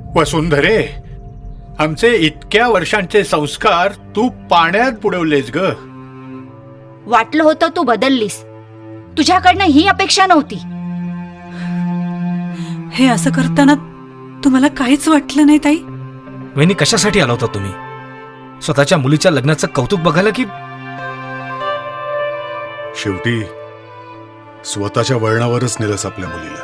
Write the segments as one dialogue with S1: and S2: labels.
S1: वसुंधरे, आमचे इतक्या वर्षांचे संस्कार तू पाण्यात बुडवलेस ग.
S2: वाटलं होतं तू बदललीस. तुझ्याकडनं ही अपेक्षा नव्हती.
S3: हे असं करताना तुम्हाला काहीच वाटलं नाही ताई?
S4: वहिनी, कशासाठी आला होता तुम्ही? स्वतःच्या मुलीच्या लग्नाचं कौतुक बघायला की?
S5: शेवटी स्वतःच्या वळणावरच नेलंस आपल्या मुलीला.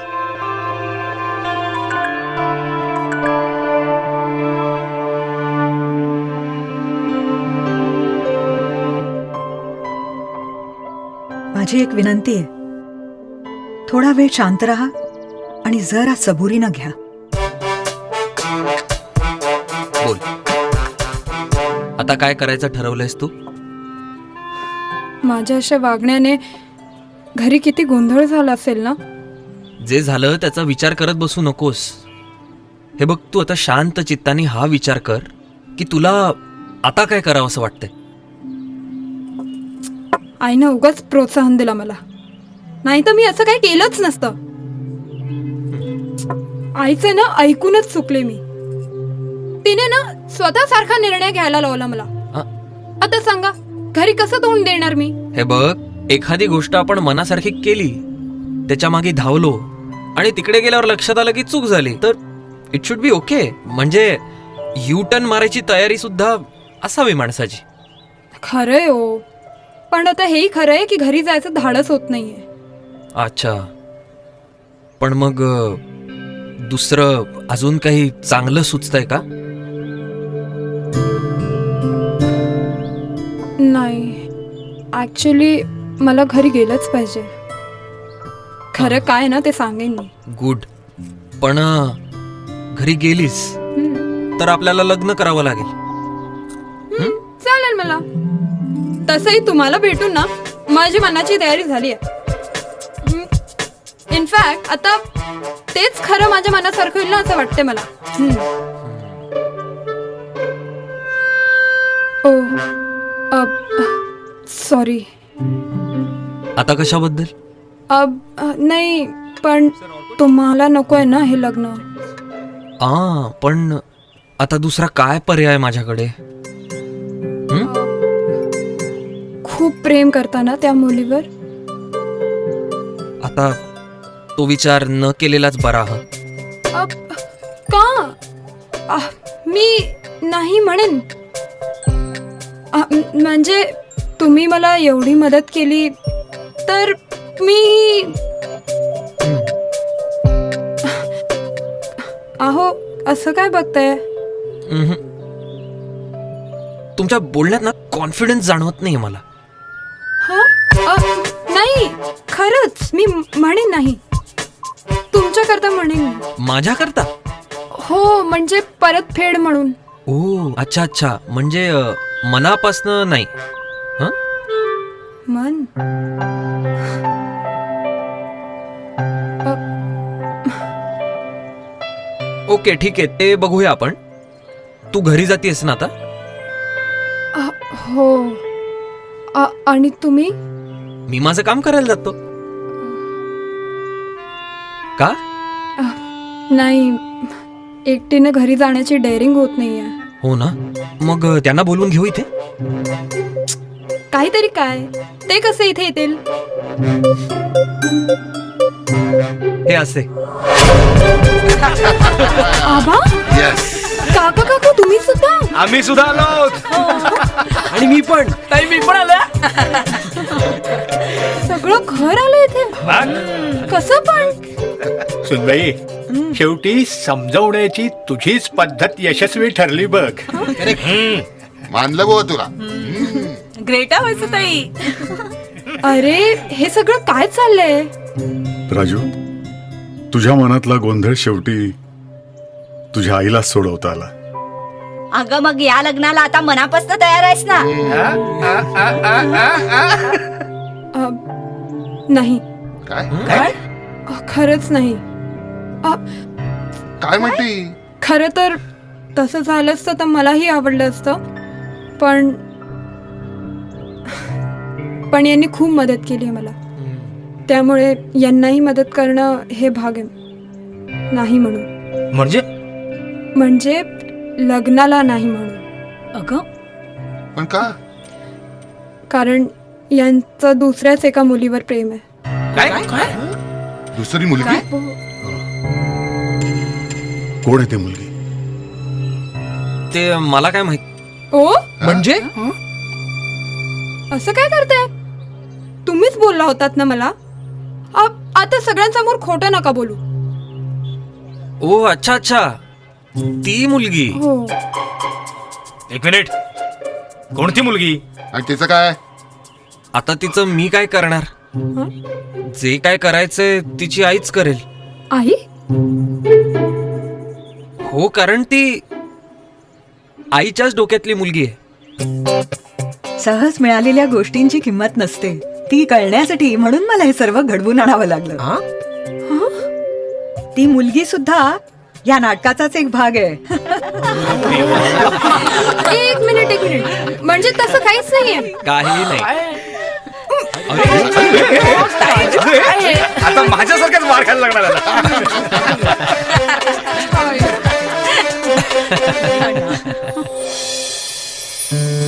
S3: माझी एक विनंती आहे, थोडा वेळ शांत राहा आणि जरा सबुरीनं घ्या.
S6: बोल, आता काय करायचं ठरवलंयस तू?
S7: माझ्या अशा वागण्याने घरी किती गोंधळ झाला असेल ना.
S6: जे झालं त्याचा विचार करत बसू नकोस. हे बघ, तू आता शांत चित्ताने हा विचार कर की तुला आता काय करावं असं वाटतंय.
S7: आईनं उगाच प्रोत्साहन दिला मला, नाही तर मी असं काही केलंच नसतं. आईचं ना ऐकूनच चुकले मी. तिने ना स्वतःसारखा निर्णय घ्यायला लावला मला. आता सांगा, घरी कसं तोंड देणार मी?
S6: हे बघ, एखादी गोष्ट आपण मनासारखी केली, त्याच्या मागे धावलो आणि तिकडे गेल्यावर लक्षात आलं की चूक झाली, तर इट शुड बी ओके. म्हणजे यू टर्न मारायची तयारी सुद्धा असावी माणसाची.
S7: खरंय हो, पण आता हेही खरंय की घरी जायचं धाडस होत नाहीये.
S6: अच्छा, पण मग दुसरं अजून काही चांगलं सुचतंय का?
S7: नाही, ऍक्च्युली मला घरी गेलंच पाहिजे. खरं काय ना ते सांगेन मी.
S6: गुड, पण घरी गेलीस तर आपल्याला लग्न करावं लागेल.
S7: चालेल मला. तसंही तुम्हाला भेटून ना माझी मनाची तयारी झाली आहे. इनफॅक्ट आता तेच खरं माझ्या मनासारखं होईल ना असं वाटतंय मला. Oh, sorry.
S6: आता कशाबद्दल?
S7: नाही, पण तुम्हाला नकोय ना हे लग्न?
S6: पण आता दुसरा काय पर्याय माझ्याकडे?
S7: खूप प्रेम करताना त्या मुलीवर.
S6: आता तो विचार न केलेलाच बरा.
S7: का? मी नाही म्हणेन. म्हणजे तुम्ही मला एवढी मदत केली तर मी अहो असं काय बघताय?
S6: तुमच्या बोलण्यात ना कॉन्फिडन्स जाणवत नाही मला.
S7: नाही, खरंच मी म्हणेन नाही. तुमच्याकरता म्हणेन.
S6: माझ्याकरता?
S7: हो, म्हणजे परतफेड म्हणून.
S6: ओ, अच्छा अच्छा, म्हणजे मनापासनं नाही.
S7: मन
S6: ओके, ठीक आहे, ते बघूया आपण. तू घरी जातीयस ना आता?
S7: हो. आणि तुम्ही?
S6: मी माझं काम करायला जातो. का?
S7: नाही, एकटीने घरी जाण्याची डेअरिंग होत नाहीये.
S6: हो ना, मग त्यांना बोलवून घेऊ इथे.
S7: काहीतरी काय, ते कसे इथे येतील?
S6: हे असे.
S7: आबा, काका काकू तुम्ही सुद्धा?
S4: आम्ही सुद्धा आलो. आणि मी पण. ताई, मी पण आलो.
S7: सगळं घर आलं इथे. कसं पण?
S1: सुनबाई, शेवटी समजवण्याची तुझीच पद्धत यशस्वी ठरली बघ.
S8: मानलं गो तुला.
S3: ग्रेटा व्हायचं ताई.
S7: अरे, हे सगळं काय चाललंय?
S5: राजू, तुझ्या मनातला गोंधळ शेवटी तुझ्या आईलाच सोडवता आला.
S2: अगं मग या लग्नाला आता मनापासून तयार आहेस ना?
S7: नाही.
S8: काय
S7: खरंच नाही.
S8: काय म्हणती?
S7: खरं तर तसं झालं असतं तर मलाही आवडलं असतं, पण यांनी खूप मदत केली आहे मला. त्यामुळे यांनाही मदत करणं हे भाग आहे. नाही म्हणून.
S4: म्हणजे
S7: म्हणजे लग्नाला नाही म्हणून.
S3: अगं
S8: पण का?
S7: कारण यांचं दुसऱ्याच एका मुलीवर प्रेम आहे.
S4: काय
S8: दुसरी मुलगी?
S5: कोण आहे ती मुलगी?
S6: ते मला काय माहित.
S7: ओ
S4: म्हणजे
S7: असं काय करताय? तुम्हीच बोलला होतात ना मला. आता सगळ्यांसमोर खोटं नका बोलू.
S6: ओ अच्छा अच्छा, ती मुलगी.
S7: हो.
S4: एक मिनिट, कोणती मुलगी?
S8: आणि तिचं काय?
S6: आता तिचं मी काय करणार? जे काय करायचंय तिची आईच करेल.
S7: आई?
S6: हो, कारण ती आईच्याच डोक्यातली मुलगी आहे.
S3: सहज मिळालेल्या गोष्टींची किंमत नसते, ती कळण्यासाठी म्हणून मला हे सर्व घडवून आणावं लागलं.
S4: हा?
S3: ती मुलगी सुद्धा या नाटकाचाच एक भाग आहे.
S7: एक मिनिट, म्हणजे तसं काहीच नाहीये.
S6: काही नाही.
S4: आता माझ्यासारख्याच मार खायला लागणार आता.